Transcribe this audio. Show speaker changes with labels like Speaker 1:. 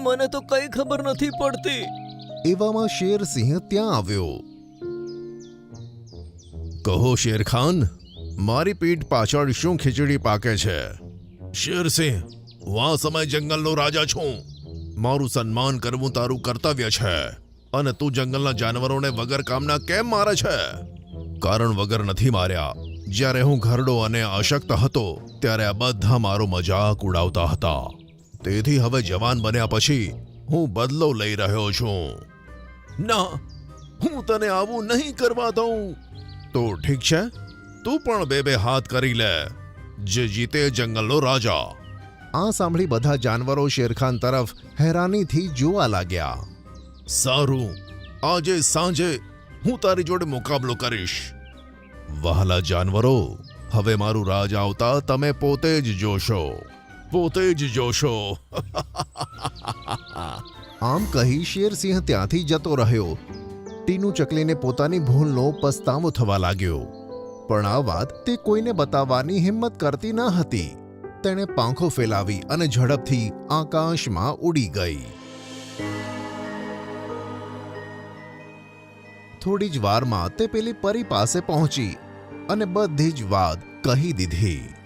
Speaker 1: મને તો કઈ ખબર નથી પડતી.
Speaker 2: એવામાં શેરસિંહ ત્યાં આવ્યો. કહો શેરખાન, મારી પીઠ પાછળ શું ખીચડી પાકે છે? શેરસિંહ, હું આ સમય જંગલનો રાજા છું. મારું સન્માન કરવું તારું કર્તવ્ય છે, અને તું જંગલના જાનવરોને વગર કામના કેમ મારે છે? કારણ વગર નથી માર્યા. જ્યારે હું ઘરડો અને અશક્ત હતો ત્યારે આ બધા મારો મજાક ઉડાવતા હતા. તેથી હવે જવાન બન્યા પછી હું બદલો લઈ રહ્યો છું. ના, હું તને આવું નહીં કરવા દઉં. તો ઠીક છે, તું પણ બે હાથ કરી લે. જે જીતે જંગલનો રાજા. આ સાંભળી બધા જાનવરો શેરખાન તરફ હેરાનીથી જોવા લાગ્યા. સારું, આજે સાંજે હું તારી જોડે મુકાબલો કરીશ. વહાલા જાનવરો, હવે મારું રાજ આવતા તમે પોતે જ જોશો. પોતે જ જોશો. આમ કહી શેરસિંહ ત્યાંથી જતો રહ્યો. ટીનુ ચકલીને પોતાની ભૂલનો પસ્તાવો થવા લાગ્યો, પણ આ વાત તે કોઈને બતાવવાની હિંમત કરતી ન હતી. તેણે પાંખો ફેલાવી અને ઝડપથી આકાશમાં ઉડી ગઈ. થોડી જ વારમાં તે પેલી પરી પાસે પહોંચી અને બધી જ વાત કહી દીધી.